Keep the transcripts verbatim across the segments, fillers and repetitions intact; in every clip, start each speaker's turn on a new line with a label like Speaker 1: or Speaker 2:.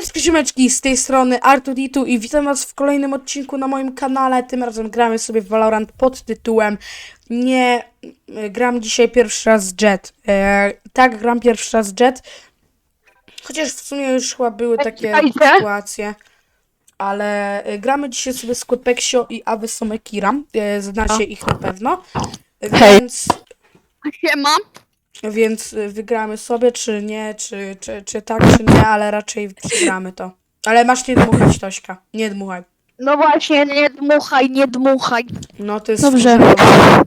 Speaker 1: Siemaneczki, ziomeczki, z tej strony Artuditu i witam was w kolejnym odcinku na moim kanale. Tym razem gramy sobie w Valorant pod tytułem Nie, gram dzisiaj pierwszy raz z Jet. E, tak, gram pierwszy raz z Jet. Chociaż w sumie już chyba były takie sytuacje. Ale e, gramy dzisiaj sobie z Quepeksio i Avesome Kira. E, znacie ich na pewno. Więc...
Speaker 2: Siema.
Speaker 1: Więc wygramy sobie, czy nie, czy, czy, czy tak, czy nie, ale raczej wygramy to. Ale masz nie dmuchać, Tośka. Nie dmuchaj.
Speaker 2: No właśnie, nie dmuchaj, nie dmuchaj.
Speaker 1: No to jest
Speaker 3: Dobrze.
Speaker 1: wkurzające.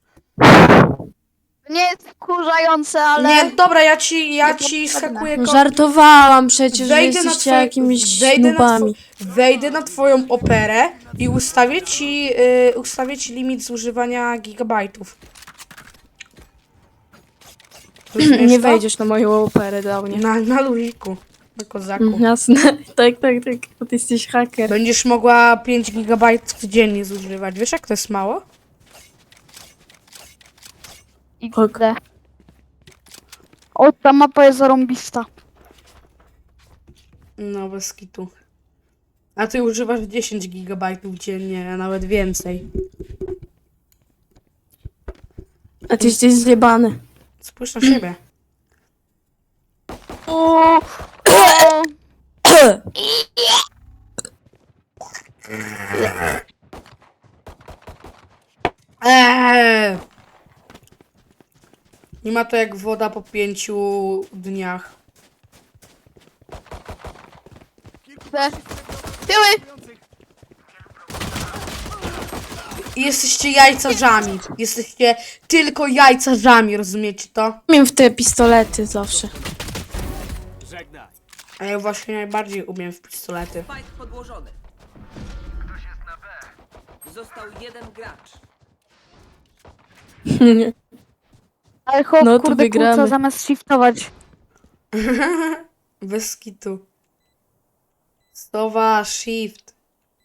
Speaker 2: Nie jest wkurzające, ale...
Speaker 1: Nie, dobra, ja ci, ja
Speaker 2: Nie
Speaker 1: ci
Speaker 2: potrzebne.
Speaker 1: skakuję
Speaker 3: No
Speaker 1: ko-
Speaker 3: żartowałam przecież, że
Speaker 1: Wejdę na
Speaker 3: jesteście
Speaker 1: twoje-
Speaker 3: jakimiś
Speaker 1: wejdę na
Speaker 3: snubami.
Speaker 1: two- Wejdę na twoją operę i ustawię ci, y, ustawię ci limit zużywania gigabajtów. Rozumiesz
Speaker 3: Nie
Speaker 1: to?
Speaker 3: wejdziesz na moją operę do mnie.
Speaker 1: Na, na luziku. Na kozaku.
Speaker 3: Mm, Jasne, tak, tak, tak, bo ty jesteś haker.
Speaker 1: Będziesz mogła pięć gigabajtów dziennie zużywać. Wiesz, jak to jest mało?
Speaker 2: Idę. O, ta mapa jest zarąbista.
Speaker 1: No, bez kitu. A ty używasz dziesięć gigabajtów dziennie, a nawet więcej.
Speaker 3: A ty jesteś zjebany.
Speaker 1: Spójrz na siebie.
Speaker 2: O, o,
Speaker 1: Eee! Nie ma to jak woda po pięciu dniach.
Speaker 2: te. Tyły!
Speaker 1: I jesteście jajcarzami. Jesteście tylko jajcarzami, rozumiecie to?
Speaker 3: Umiem w te pistolety zawsze.
Speaker 1: A ja właśnie najbardziej umiem w pistolety.
Speaker 4: Fight podłożony. Został jeden gracz.
Speaker 2: Ale chłop,
Speaker 3: No to
Speaker 2: kurde,
Speaker 3: wygramy.
Speaker 2: kłóca zamiast shiftować.
Speaker 1: Bez kitu. Stowa, shift.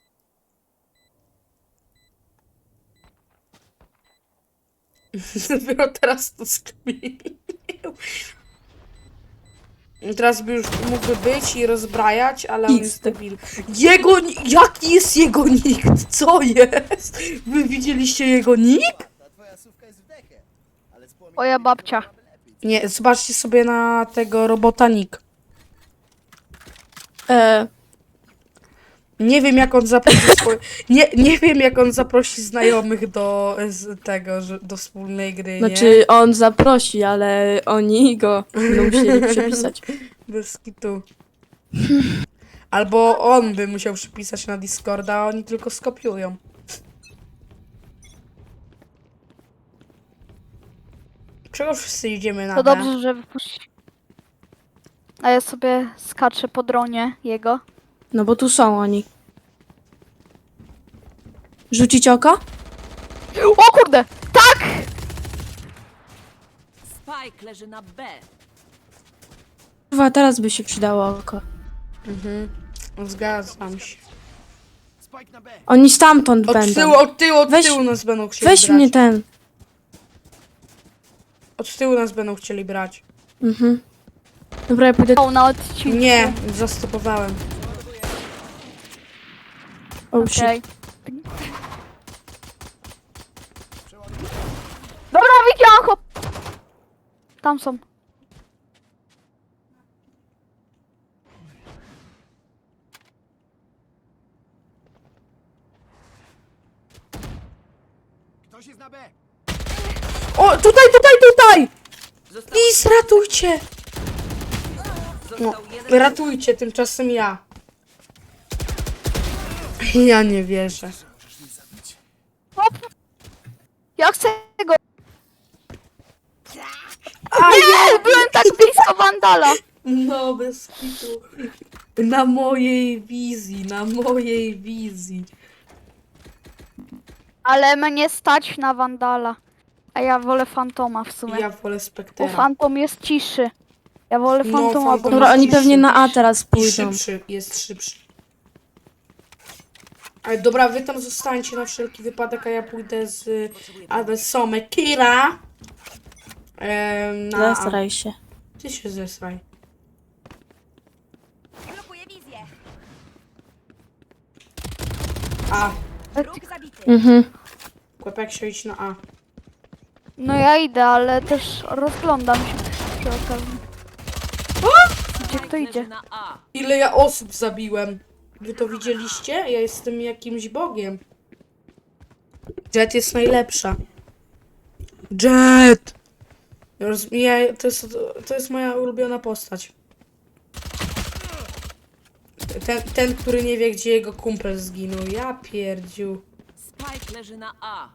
Speaker 1: Dopiero teraz to skminił. Teraz by już mógłby być i rozbrajać, ale on jest
Speaker 3: X.
Speaker 1: debil. Jego... ni- Jaki jest jego nick? Co jest? Wy widzieliście jego nick?
Speaker 2: Moja babcia.
Speaker 1: Nie, zobaczcie sobie na tego robota nick.
Speaker 3: E,
Speaker 1: Nie wiem jak on zaprosi swoje... nie, nie wiem jak on zaprosi znajomych do z tego, że do wspólnej gry, nie?
Speaker 3: znaczy on zaprosi, ale oni go będą musieli przepisać.
Speaker 1: Bez kitu. Albo on by musiał przypisać na Discorda, a oni tylko skopiują. Czego wszyscy idziemy na
Speaker 2: To
Speaker 1: B?
Speaker 2: dobrze, że wypuści. A ja sobie skaczę po dronie jego.
Speaker 3: No bo tu są oni. Rzucić oko?
Speaker 2: O kurde! Tak!
Speaker 4: Spike leży na B.
Speaker 3: Chyba teraz by się przydało oko.
Speaker 1: Mhm. Zgadzam się.
Speaker 3: Oni stamtąd
Speaker 1: Od
Speaker 3: będą.
Speaker 1: tyłu, od tyłu, od
Speaker 3: Weź-
Speaker 1: tyłu nas będą chcieli
Speaker 3: Weź
Speaker 1: brać.
Speaker 3: mnie ten.
Speaker 1: Od tyłu nas będą chcieli brać.
Speaker 3: Mhm. Dobra, ja pójdę.
Speaker 2: O, na odcinku.
Speaker 1: Nie, zastopowałem.
Speaker 3: Oh shit.
Speaker 2: Okej. Dobra, widziałam chłop. Tam są.
Speaker 1: O, tutaj, tutaj, tutaj!
Speaker 4: Został,
Speaker 1: Please, ratujcie! No,
Speaker 4: został jeden
Speaker 1: ratujcie, tymczasem ja. Ja nie wierzę.
Speaker 2: Chłop. Ja chcę go.
Speaker 1: A
Speaker 2: Nie, byłem tak blisko Vandala.
Speaker 1: No, bez kitu. Na mojej wizji, na mojej wizji.
Speaker 2: Ale mnie stać na Vandala. A ja wolę Fantoma w sumie.
Speaker 1: Ja wolę
Speaker 2: Bo
Speaker 1: Spectera.
Speaker 2: Fantom jest ciszy. Ja wolę
Speaker 1: No,
Speaker 2: Fantoma, bo...
Speaker 1: Phantom
Speaker 3: Dobra,
Speaker 1: jest
Speaker 3: oni
Speaker 1: ciszy.
Speaker 3: pewnie na A teraz
Speaker 1: I
Speaker 3: pójdą.
Speaker 1: szybszy, jest szybszy. Ale dobra, wy tam zostańcie na wszelki wypadek, a ja pójdę z Avesome Kira. Em, na A.
Speaker 3: Zasraj się.
Speaker 1: Ty się zesraj.
Speaker 5: Blokuję wizję.
Speaker 1: A.
Speaker 3: Mhm.
Speaker 1: Kłepek się idź na A.
Speaker 2: No ja idę, ale też rozglądam się przy okazji. Gdzie kto
Speaker 4: Leży
Speaker 2: idzie?
Speaker 4: na A.
Speaker 1: Ile ja osób zabiłem? Wy to widzieliście? Ja jestem jakimś bogiem. Jet jest najlepsza. Jet! Roz- Ja, to, jest, to jest moja ulubiona postać. Ten, ten, który nie wie, gdzie jego kumpel zginął. Ja pierdziu.
Speaker 4: Spike leży na A.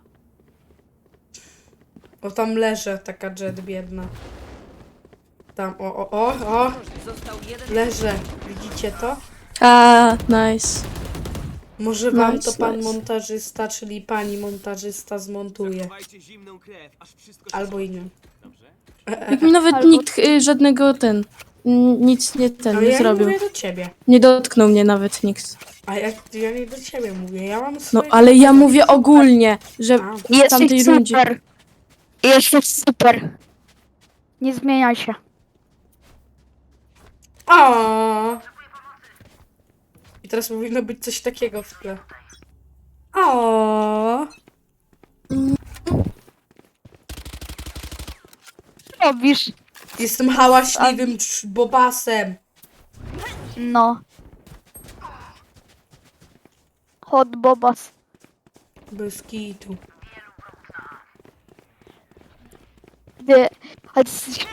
Speaker 1: O, tam leży taka Jet biedna. Tam, o, o, o, o.
Speaker 4: Został jeden.
Speaker 1: Leżę. Widzicie to?
Speaker 3: A, nice.
Speaker 1: Może wam
Speaker 3: Nice,
Speaker 1: to pan
Speaker 3: nice.
Speaker 1: montażysta, czyli pani montażysta zmontuje.
Speaker 5: Zachowajcie zimną krew, aż wszystko się
Speaker 1: Albo i nie.
Speaker 5: Dobrze?
Speaker 3: Jak mi nawet
Speaker 2: Albo-
Speaker 3: nikt y, żadnego ten, n- nic nie ten,
Speaker 1: Ale
Speaker 3: nie
Speaker 1: ja nie
Speaker 3: zrobił.
Speaker 1: mówię do ciebie.
Speaker 3: Nie dotknął mnie nawet nikt.
Speaker 1: A jak ja nie do ciebie mówię, ja mam
Speaker 3: No
Speaker 1: swoje...
Speaker 3: ale ja mówię ogólnie, że
Speaker 1: A.
Speaker 3: w tamtej
Speaker 2: Jesteś
Speaker 3: rundzie.
Speaker 2: super. Jesteś super. Nie zmieniaj się.
Speaker 1: O! I teraz powinno być coś takiego w tle. O!
Speaker 2: Co robisz?
Speaker 1: Jestem hałaśliwym trz- bobasem.
Speaker 2: No. Hot bobas.
Speaker 1: Bez kitu.
Speaker 2: Ty, ale jesteś...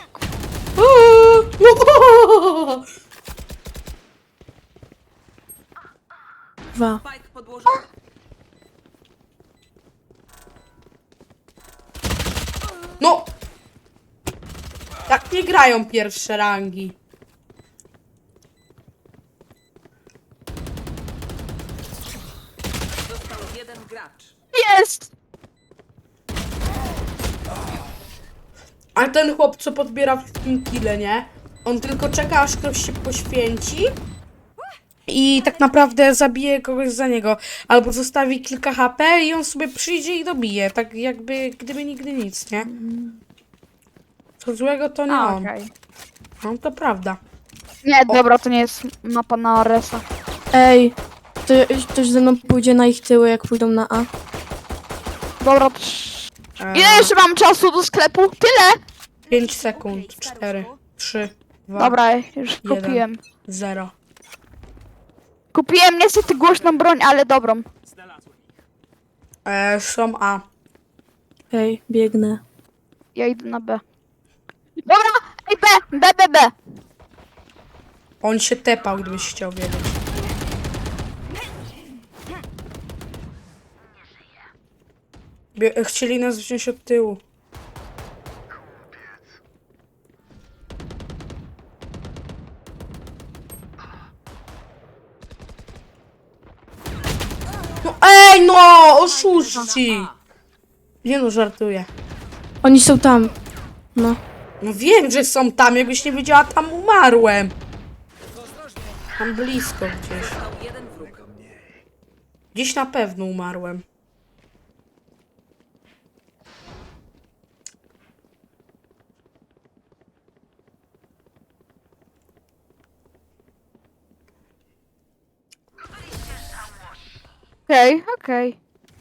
Speaker 3: Dwa.
Speaker 4: Spike podłożony.
Speaker 1: No! Tak nie grają pierwsze rangi.
Speaker 4: Został jeden gracz.
Speaker 2: Jest!
Speaker 1: A ten chłop, co podbiera wszystkim kile, nie? On tylko czeka, aż ktoś się poświęci i tak naprawdę zabije kogoś za niego. Albo zostawi kilka H P i on sobie przyjdzie i dobije. Tak jakby, gdyby nigdy nic, nie? Co złego to nie
Speaker 2: A,
Speaker 1: on.
Speaker 2: okej.
Speaker 1: No to prawda.
Speaker 2: Nie, dobra, to nie jest mapa na Aresa.
Speaker 3: Ej, to ktoś ze mną pójdzie na ich tyły, jak pójdą na A.
Speaker 2: Dobra, trz...
Speaker 1: Eee,
Speaker 2: ile jeszcze mam czasu do sklepu? Tyle!
Speaker 1: pięć sekund. cztery, trzy, dwa,
Speaker 2: Dobra, już kupiłem.
Speaker 1: zero.
Speaker 2: Kupiłem niestety głośną broń, ale dobrą.
Speaker 5: Znalazłem ich.
Speaker 1: Eee, są A.
Speaker 3: Ej, biegnę.
Speaker 2: Ja idę na B. Dobra, ej B, B, B, B.
Speaker 1: On się tepał, gdybyś chciał wiedzieć. Bie- chcieli nas wziąć od tyłu. No ej no! Oszuści! Nie no, żartuję.
Speaker 3: Oni są tam. No.
Speaker 1: No wiem, że są tam, jakbyś nie wiedziała, tam umarłem. Tam blisko gdzieś.
Speaker 4: Został jeden wróg.
Speaker 1: Gdzieś na pewno umarłem.
Speaker 2: Okej, okej.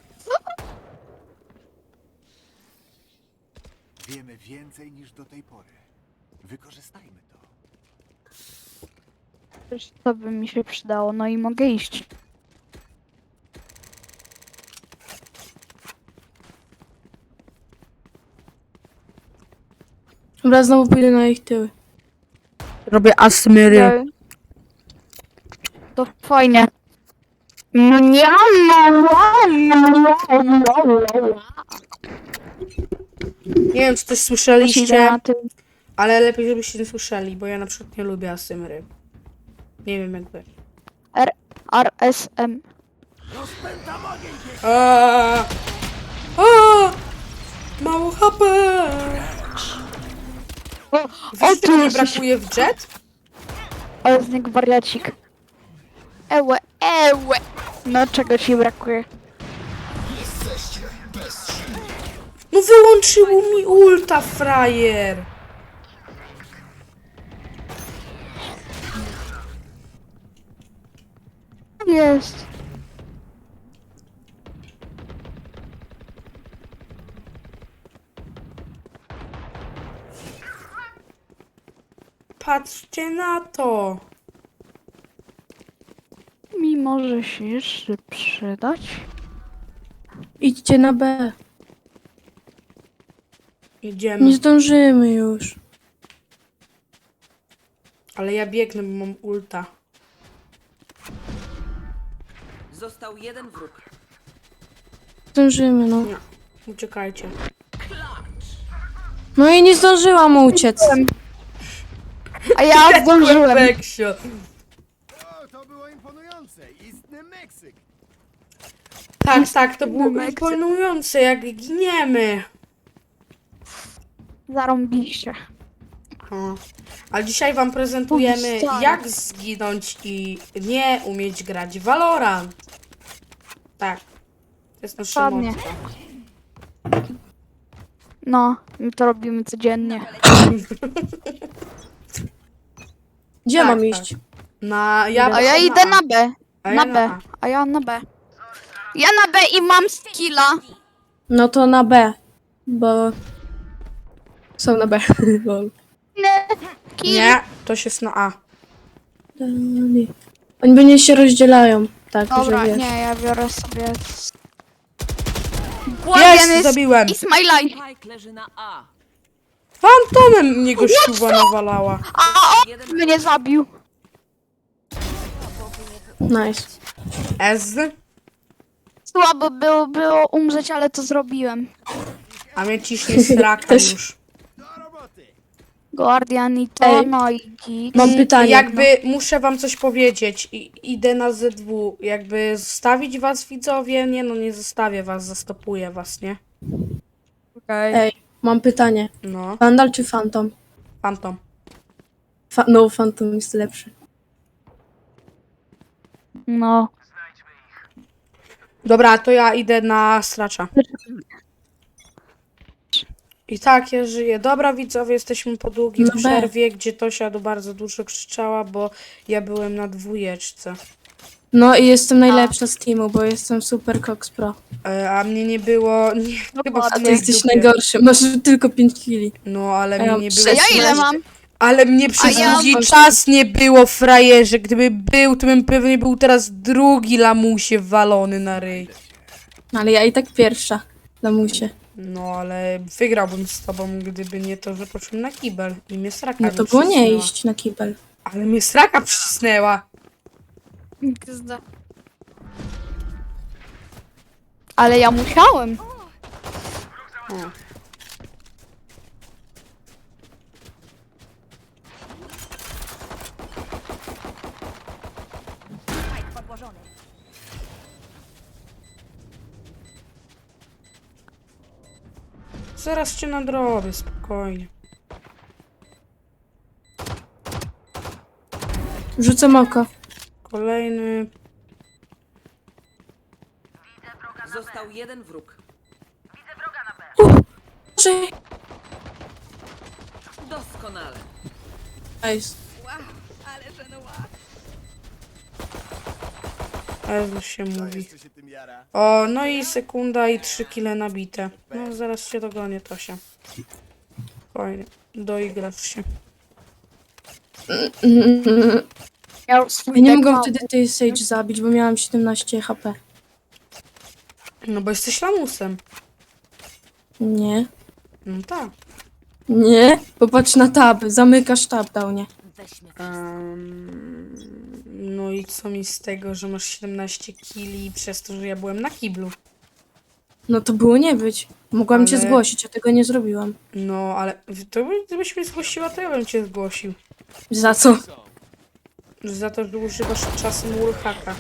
Speaker 6: Wiemy więcej niż do tej pory. Wykorzystajmy to.
Speaker 2: Coś to by mi się przydało, no i mogę iść.
Speaker 3: Dobra, znowu pójdę na ich tyły.
Speaker 1: Robię asmyry.
Speaker 2: Okej. To fajnie. Nie,
Speaker 1: Nie wiem, czy coś
Speaker 2: Idę
Speaker 1: słyszeliście,
Speaker 2: na tył.
Speaker 1: ale lepiej, żebyście nie słyszeli, bo ja na przykład nie lubię asymry. Nie wiem jak wy.
Speaker 2: R, R, S, M.
Speaker 1: Aaaa! Aaaa! Mało H P!
Speaker 2: O,
Speaker 1: Wiesz,
Speaker 2: tu
Speaker 1: czego mi
Speaker 2: jesteś.
Speaker 1: brakuje w jet?
Speaker 2: Ale z niego wariacik. Ełe, ełe. No czego ci brakuje?
Speaker 1: No wyłączyło mi ulta, frajer!
Speaker 2: Jest.
Speaker 1: patrzcie na to.
Speaker 2: Mi może się jeszcze przydać.
Speaker 3: Idźcie na B.
Speaker 1: Idziemy.
Speaker 3: Nie zdążymy już.
Speaker 1: Ale ja biegnę, bo mam ulta.
Speaker 4: Został jeden wróg.
Speaker 3: Zdążymy, no.
Speaker 1: Nie. Uciekajcie.
Speaker 3: No i nie zdążyłam uciec.
Speaker 2: A ja zdążyłem.
Speaker 1: Peksio.
Speaker 6: O, to było imponujące. Istny Meksyk.
Speaker 1: Tak, tak, to było
Speaker 2: Meksyk.
Speaker 1: imponujące, jak giniemy.
Speaker 2: Zarąbiście.
Speaker 1: O. A dzisiaj wam prezentujemy,
Speaker 2: Oj, stary.
Speaker 1: jak zginąć i nie umieć grać w Valorant. Tak. To jest nasze
Speaker 2: Dokładnie.
Speaker 1: motto.
Speaker 2: No, my to robimy codziennie.
Speaker 3: Gdzie
Speaker 1: Tak,
Speaker 3: mam
Speaker 1: tak.
Speaker 3: iść?
Speaker 1: Na, ja
Speaker 2: A ja idę na B.
Speaker 1: A
Speaker 2: Na
Speaker 1: ja
Speaker 2: B.
Speaker 1: A.
Speaker 2: A ja na B. Ja na B i mam skilla.
Speaker 3: No to na B. Bo... Są na B. Lol.
Speaker 2: Kill.
Speaker 1: Nie, to się jest na A.
Speaker 3: Oni będzie się rozdzielają. Tak,
Speaker 2: Dobra,
Speaker 3: że wiesz.
Speaker 2: nie, ja biorę sobie...
Speaker 1: Jest,
Speaker 2: Guardian
Speaker 1: zabiłem.
Speaker 2: is my life.
Speaker 4: Spike leży na A.
Speaker 1: Fantomem mnie gościuwa nawalała.
Speaker 2: A on mnie zabił.
Speaker 3: Nice.
Speaker 1: Ez,
Speaker 2: Słabo było, było umrzeć, ale to zrobiłem.
Speaker 1: a mnie ciśnie sraka
Speaker 3: Też.
Speaker 1: już.
Speaker 6: Do roboty.
Speaker 2: Guardian i to,
Speaker 3: Ej.
Speaker 2: no i git.
Speaker 3: Mam pytanie.
Speaker 1: Jakby muszę wam coś powiedzieć. I, idę na Z W. Jakby zostawić was, widzowie? Nie no, nie zostawię was, zastopuję was, nie?
Speaker 2: Okej.
Speaker 3: Ej, mam pytanie.
Speaker 1: No,
Speaker 3: Vandal czy Phantom?
Speaker 1: Phantom.
Speaker 3: Fa no, Phantom jest lepszy.
Speaker 2: No.
Speaker 1: Dobra, to ja idę na stracza. I tak, ja żyję. Dobra, widzowie, jesteśmy po długiej
Speaker 3: No B.
Speaker 1: przerwie, gdzie Tosia do bardzo dużo krzyczała, bo ja byłem na dwójeczce.
Speaker 3: No i jestem najlepsza z teamu, bo jestem super Cox Pro.
Speaker 1: E, a mnie nie było... Nie, chyba w
Speaker 3: A ty
Speaker 1: twojej
Speaker 3: jesteś
Speaker 1: dupie.
Speaker 3: najgorszy, masz tylko pięć kili.
Speaker 1: No, ale
Speaker 3: A ja
Speaker 1: mnie nie
Speaker 3: mam
Speaker 1: było...
Speaker 2: A ja ile mam?
Speaker 1: Ale mnie przez
Speaker 2: ja
Speaker 1: długi
Speaker 3: mam-
Speaker 1: czas nie było, frajerze. Gdyby był, to bym pewnie był teraz drugi lamusie walony na ryj.
Speaker 3: Ale ja i tak pierwsza. Lamusie.
Speaker 1: No, ale wygrałbym z tobą, gdyby nie to, że poszłem na kibel i mnie sraka
Speaker 3: No
Speaker 1: mi
Speaker 3: to było nie
Speaker 1: przycisnęła.
Speaker 3: iść na kibel.
Speaker 1: Ale mnie sraka przycisnęła.
Speaker 2: Ale ja musiałem.
Speaker 1: O. Zaraz cię nadrobię, spokojnie.
Speaker 3: Rzucam oko.
Speaker 1: Kolejny...
Speaker 4: Został jeden wróg.
Speaker 3: Boże.
Speaker 4: Doskonale.
Speaker 3: Nice.
Speaker 1: Ezu się
Speaker 6: To
Speaker 1: mówi.
Speaker 6: jeszcze się tym jara.
Speaker 1: O, no i sekunda i trzy kile nabite. No, zaraz się dogonię, Tosia. Spokojnie, doigrasz się.
Speaker 2: Ja już swój
Speaker 3: Ja nie
Speaker 2: deck
Speaker 3: mogłam
Speaker 2: mam.
Speaker 3: wtedy tej Sage zabić, bo miałam siedemnaście H P.
Speaker 1: No bo jesteś lamusem.
Speaker 3: Nie.
Speaker 1: No tak.
Speaker 3: Nie. Popatrz na tab. Zamykasz tab, dał nie.
Speaker 1: Em, no i co mi z tego, że masz siedemnaście kili przez to, że ja byłem na kiblu.
Speaker 3: No to było nie być. Mogłam cię
Speaker 1: Ale-
Speaker 3: zgłosić, a tego nie zrobiłam.
Speaker 1: No, ale to by, gdybyś mnie zgłosiła, to ja bym cię zgłosił.
Speaker 3: Za co?
Speaker 1: Za to, że używasz czasem wallhacka.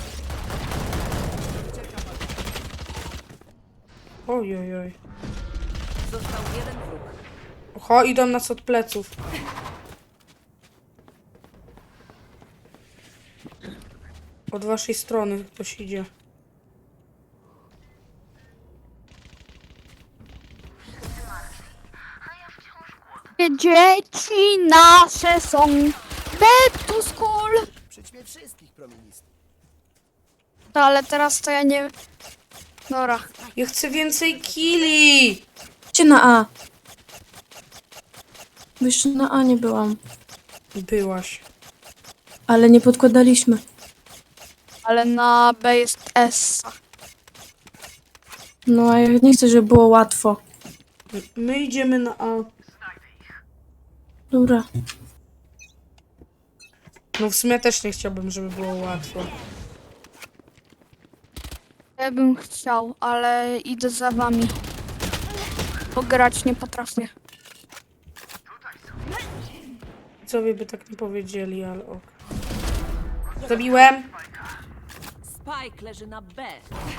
Speaker 1: Oj, oj, oj.
Speaker 4: Został jeden wróg.
Speaker 1: Oho, idą nas od pleców. Od waszej strony ktoś idzie.
Speaker 2: Dzieci nasze są back to school.
Speaker 6: Przećmie wszystkich proministów.
Speaker 2: No, ale teraz to ja nie... Dobra.
Speaker 1: Ja chcę więcej killi!
Speaker 3: Idźcie na A. Bo jeszcze na A nie byłam.
Speaker 1: Byłaś.
Speaker 3: Ale nie podkładaliśmy.
Speaker 2: Ale na B jest S.
Speaker 3: No a ja nie chcę, żeby było łatwo.
Speaker 1: My idziemy na A.
Speaker 3: Dobra.
Speaker 1: No w sumie też nie chciałbym, żeby było łatwo.
Speaker 2: Ja bym chciał, ale idę za wami. Bo grać nie potrafię.
Speaker 1: Co by tak nie powiedzieli, ale ok. Zabiłem.
Speaker 4: Spike leży na B.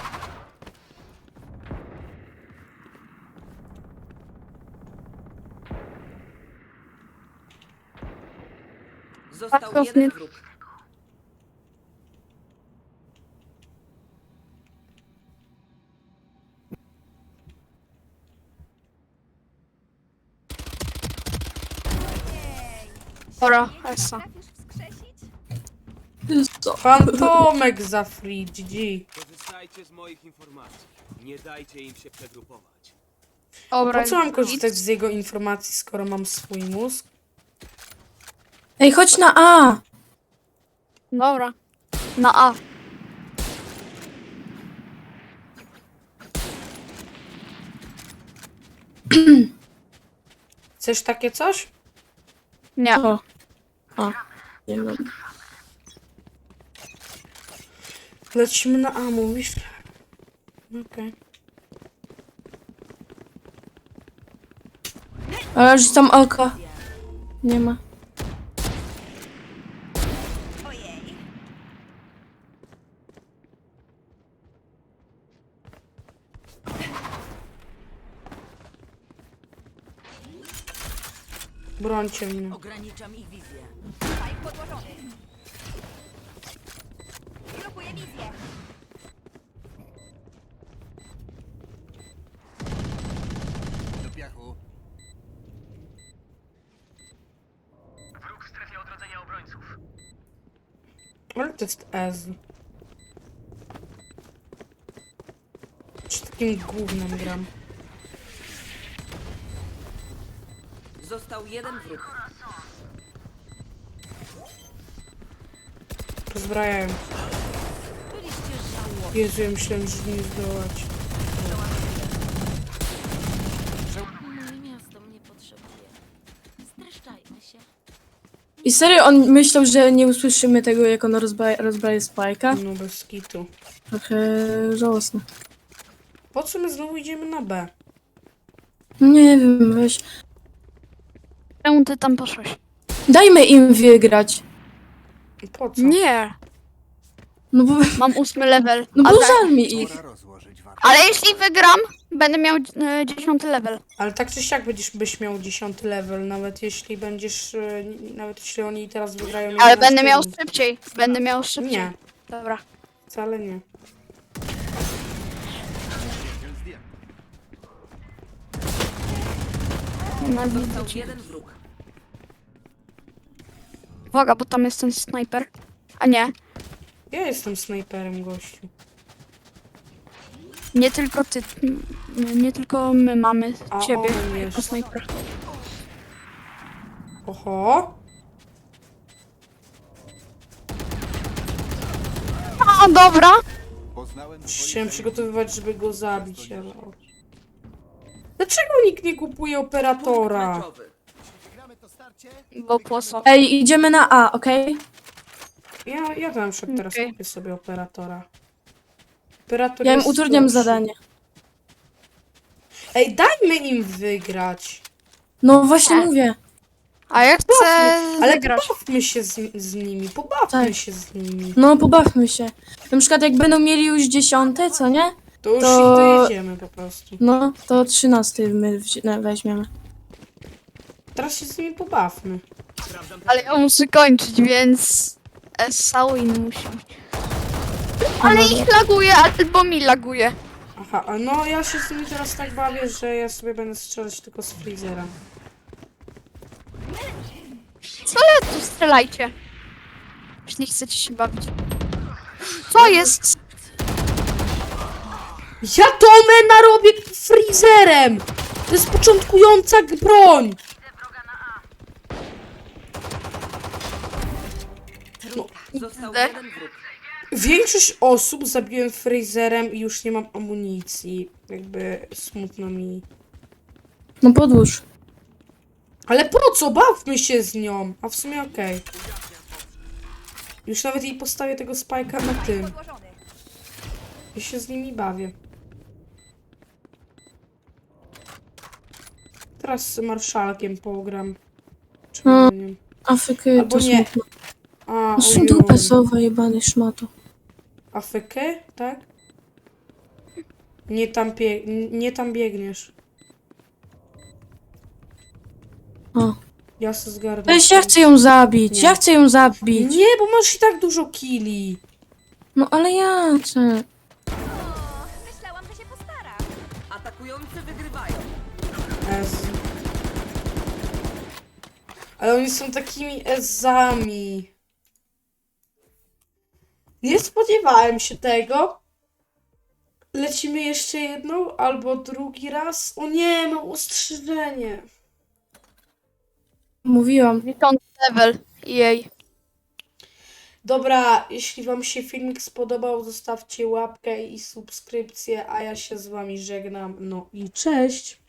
Speaker 4: Został
Speaker 2: Patrz,
Speaker 4: jeden
Speaker 2: nie-
Speaker 4: wróg.
Speaker 2: Dobra, S.
Speaker 3: Co?
Speaker 1: Fantomek za free, G G.
Speaker 5: Korzystajcie z moich informacji. Nie dajcie im się przegrupować.
Speaker 2: Dobra.
Speaker 1: Po co mam korzystać z jego informacji, skoro mam swój mózg?
Speaker 3: Ej, chodź na A!
Speaker 2: Dobra. Na A.
Speaker 1: Chcesz takie coś?
Speaker 2: Nie.
Speaker 3: O. A. Nie wiem.
Speaker 1: Lecimy na A, mówisz? Okej.
Speaker 3: Ale że tam oko. Nie ma.
Speaker 1: Brońcie mnie.
Speaker 4: Ograniczam ich wizję.
Speaker 6: Do piachu.
Speaker 1: Ale to jest Ez. Czy takim gównem gram?
Speaker 4: Został jeden wróg.
Speaker 1: Rozbrajają. Jezu, ja myślałem, że nie zdołać.
Speaker 7: Moje miasto mnie potrzebuje. Streszczajmy się.
Speaker 3: I serio, on myślał, że nie usłyszymy tego, jak on rozbra rozbraje Spajka?
Speaker 1: No bez kitu.
Speaker 3: Trochę żałosne.
Speaker 1: Po co my znowu idziemy na B?
Speaker 3: Nie wiem, weź.
Speaker 2: Czemu ty tam poszłeś?
Speaker 3: Dajmy im wygrać.
Speaker 1: Po co?
Speaker 2: Nie.
Speaker 3: No bo,
Speaker 2: Mam ósmy level.
Speaker 3: no
Speaker 2: A
Speaker 3: bo
Speaker 2: tak-
Speaker 3: żal mi ich.
Speaker 6: Pora rozłożyć warto.
Speaker 2: Ale jeśli wygram, będę miał e, dziesiąty level.
Speaker 1: Ale tak czy siak będziesz byś miał dziesiąty level, nawet jeśli będziesz, e, nawet jeśli oni teraz wygrają.
Speaker 2: Ale
Speaker 1: jeden
Speaker 2: będę miał
Speaker 1: rund.
Speaker 2: szybciej. Będę miał szybciej.
Speaker 1: Nie,
Speaker 2: Dobra.
Speaker 1: wcale nie.
Speaker 2: Nienawidzę
Speaker 4: Został
Speaker 2: cię.
Speaker 4: jeden wróg.
Speaker 2: Uwaga, bo tam jest ten snajper. A nie.
Speaker 1: Ja jestem snajperem, gościu.
Speaker 2: Nie tylko ty. m, Nie tylko my mamy
Speaker 1: A
Speaker 2: ciebie
Speaker 1: on
Speaker 2: jako
Speaker 1: jest.
Speaker 2: snajpera.
Speaker 1: Oho.
Speaker 2: A, dobra.
Speaker 6: Poznałem
Speaker 1: Chciałem
Speaker 6: twoje
Speaker 1: przygotowywać, żeby go zabić, ale... o. Dlaczego nikt nie kupuje
Speaker 4: Punkt
Speaker 1: operatora?
Speaker 4: meczowy.
Speaker 2: Bo po co?
Speaker 3: Ej, idziemy na A, okej?
Speaker 1: Ja, ja tam szedł teraz
Speaker 2: Okej.
Speaker 1: kupię sobie operatora. Operator
Speaker 3: Ja im
Speaker 1: jest
Speaker 3: utrudniam
Speaker 1: gorszy.
Speaker 3: zadanie.
Speaker 1: Ej, dajmy im wygrać.
Speaker 3: No właśnie
Speaker 2: Tak.
Speaker 3: mówię.
Speaker 2: A ja chcę
Speaker 1: Ale
Speaker 2: wygrać.
Speaker 1: pobawmy się z, z nimi, pobawmy
Speaker 3: Tak.
Speaker 1: się z nimi.
Speaker 3: No pobawmy się. Na przykład jak będą mieli już dziesiąte, co nie?
Speaker 1: To już
Speaker 3: To-
Speaker 1: ich dojedziemy po prostu.
Speaker 3: No, to trzynasty my wzi- no, weźmiemy.
Speaker 1: Teraz się z nimi pobawmy.
Speaker 2: Ale ja muszę kończyć, więc Sawin musi być. Ale ich laguje, albo mi laguje.
Speaker 1: Aha, a no ja się z nimi teraz tak bawię, że ja sobie będę strzelać tylko z freezera.
Speaker 2: Co ja tu strzelajcie? Już nie chcecie się bawić. Co jest?
Speaker 1: Ja to mena robię freezerem! To jest początkująca g- broń!
Speaker 5: Został
Speaker 2: Idę.
Speaker 5: jeden wróg.
Speaker 1: Większość osób zabiłem Fraserem i już nie mam amunicji. Jakby smutno mi.
Speaker 3: No podłóż.
Speaker 1: Ale po co? Bawmy się z nią. A w sumie okej. Już nawet jej postawię tego spajka na tym. Ja się z nimi bawię. Teraz z marszalkiem pogram. Czemu
Speaker 3: No.
Speaker 1: nie?
Speaker 3: Afrykę
Speaker 1: Albo
Speaker 3: to
Speaker 1: nie.
Speaker 3: smutno.
Speaker 1: A,
Speaker 3: No są
Speaker 1: ojoj.
Speaker 3: dupę sowa, jebany szmato.
Speaker 1: Afrykę, tak? Nie tam, bie nie tam biegniesz.
Speaker 3: O.
Speaker 1: Ja se zgarnę.
Speaker 3: Weź, ja chcę ją zabić,
Speaker 1: Nie.
Speaker 3: ja chcę ją zabić.
Speaker 1: Nie, bo masz i tak dużo killi.
Speaker 3: No ale ja chcę.
Speaker 7: Myślałam, że się postara.
Speaker 5: Atakujący wygrywają.
Speaker 1: Ez. Ale oni są takimi ezami. Nie spodziewałem się tego. Lecimy jeszcze jedną albo drugi raz. O nie, mam ostrzeżenie.
Speaker 3: Mówiłam.
Speaker 2: Witam level. Jej.
Speaker 1: Dobra, jeśli wam się filmik spodobał, zostawcie łapkę i subskrypcję, a ja się z wami żegnam. No i cześć.